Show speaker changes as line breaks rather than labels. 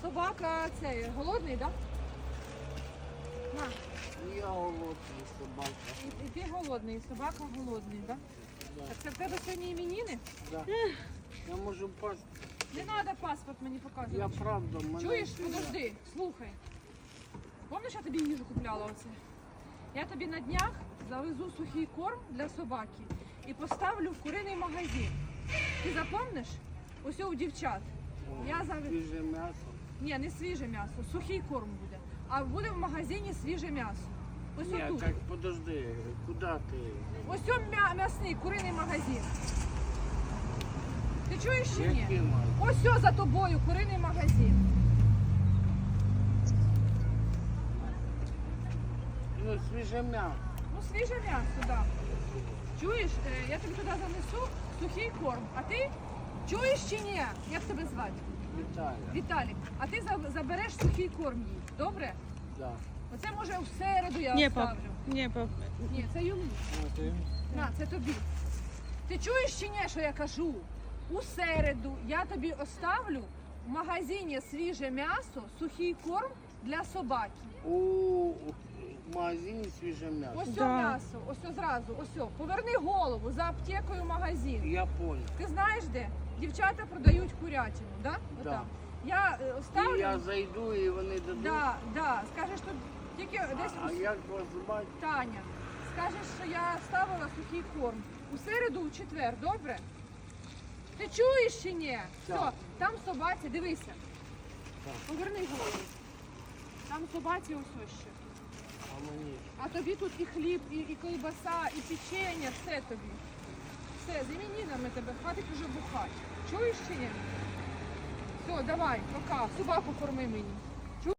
собака цей голодний, так? Да? На.
Я голодний собака.
І ти голодний, і собака голодний, так?
Да.
Так це в тебе сьогодні іменини?
Да. Я можу пасти.
Не треба паспорт мені
Я
показувати.
правда, мене...
Чуєш?
це-
Подожди, слухай. Пам'ятаєш, я тобі їжу купляла оце? Я тобі на днях завезу сухий корм для собаки і поставлю в куриний магазин. Ти запомниш? Ось у дівчат. Я завезу.
Свіже м'ясо.
Ні, не свіже м'ясо, сухий корм буде. А буде в магазині свіже м'ясо. Ось
Ні,
отут.
так подожди, куди ти?
Ось он м'ясний куриний магазин. Ти чуєш чи ні?
Який має?
Ось о, за тобою куриний магазин.
Ну, свіже м'ясо.
Ну, свіже м'ясо, так. Да. Чуєш, я тобі туди занесу сухий корм. А ти чуєш чи ні? Як тебе звати?
Віталя.
Віталік. А ти забереш сухий корм їй. Добре?
Да.
Оце може в середу я
Ні, пап.
оставлю.
Ні, пап.
Ні, це йому. На, це тобі. Ти чуєш чи ні, що я кажу? У середу я тобі оставлю в магазині свіже м'ясо, сухий корм для собаки.
У магазині свіже м'ясо.
Ось
Да.
о м'ясо, ось о зразу, ось о. Поверни голову за аптекою магазин.
Я понял.
Ти знаєш де? Дівчата продають курятину, да?
Да.
Отам. Я оставлю.
І я зайду і вони дадуть.
Да, да. Скажеш, що тільки десь
А як вас звати?
Таня. Скажеш, що я ставила сухий корм. У середу, у четвер, добре? Ти чуєш чи ні? Все,
Так.
там собаці, дивися.
Так.
Поверни голову. Там собаці ось ще.
А мені.
А тобі тут і хліб, і колбаса, і печення, все тобі. Все, з іменинами тебе, хватить уже бухати. Чуєш чи ні? Все, давай, пока. Собаку корми мені.